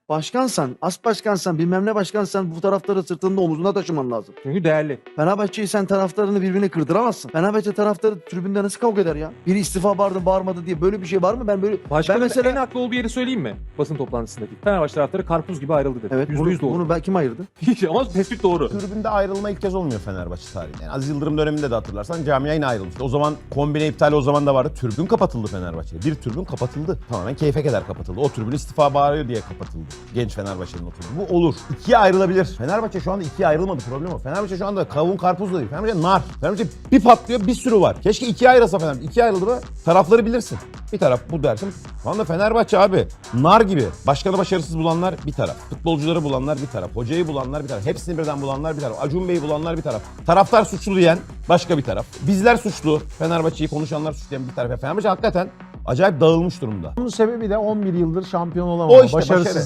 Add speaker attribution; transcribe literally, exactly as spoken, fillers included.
Speaker 1: başkansan, as başkansan, bilmem ne başkansan bu taraftarı sırtında omuzuna taşıman lazım.
Speaker 2: Çünkü değerli.
Speaker 1: Fenerbahçe'yi sen taraftarını birbirine kırdıramazsın. Fenerbahçe taraftarı tribünde nasıl kavga eder ya? Biri istifa bağırdı bağırmadı diye böyle bir şey var mı? Ben böyle
Speaker 2: Başkanın
Speaker 1: ben mesela
Speaker 2: en haklı olduğu yeri söyleyeyim mi? Basın toplantısındaki. Fenerbahçe taraftarı karpuz gibi ayrıldı dedi.
Speaker 1: evet
Speaker 2: Yüzde
Speaker 1: bunu,
Speaker 2: yüz doğru.
Speaker 1: bunu ben kim ayırdı?
Speaker 2: Ama tespit doğru.
Speaker 3: Tribünde ayrılma ilk kez olmuyor Fenerbahçe tarihinde. Yani Aziz Yıldırım döneminde de hatırlarsan camia yine ayrılmıştı. O zaman kombine iptali o zaman da vardı. Tribün kapatıldı Fenerbahçe'ye. Bir tribün kapatıldı. Tamamen keyfe keder kapatıldı. O tribün istifa bağırıyor diye kapatıldı. Genç Fenerbahçe'nin o tribünü. Bu olur. İkiye ayrılabilir. Fenerbahçe şu anda ikiye ayrılmadı. Problem o. Fenerbahçe şu anda kavun karpuz da değil. Fenerbahçe nar. Fenerbahçe bir patlıyor bir sürü var. Keşke ikiye ayrılsa Fenerbahçe. İkiye ayrıldı mı tarafları bilirsin. Bir taraf bu dersin. Şu anda Fenerbahçe abi nar gibi. Başkanı başarısız bulanlar bir taraf. Futbolcuları bulanlar bir taraf. Hocayı bulanlar bir taraf. Hepsini birden bulanlar bir taraf. Acun Bey'i bulanlar bir taraf. Taraftar suçlu diyen başka bir taraf. Bizler suçlu. Fenerbahçe'yi konuşanlar suçlu diyen bir taraf. Fenerbahçe hakikaten acayip dağılmış durumda.
Speaker 4: Bunun sebebi de on bir yıldır şampiyon olamama.
Speaker 3: O işte
Speaker 4: Başarısız.
Speaker 3: başarı.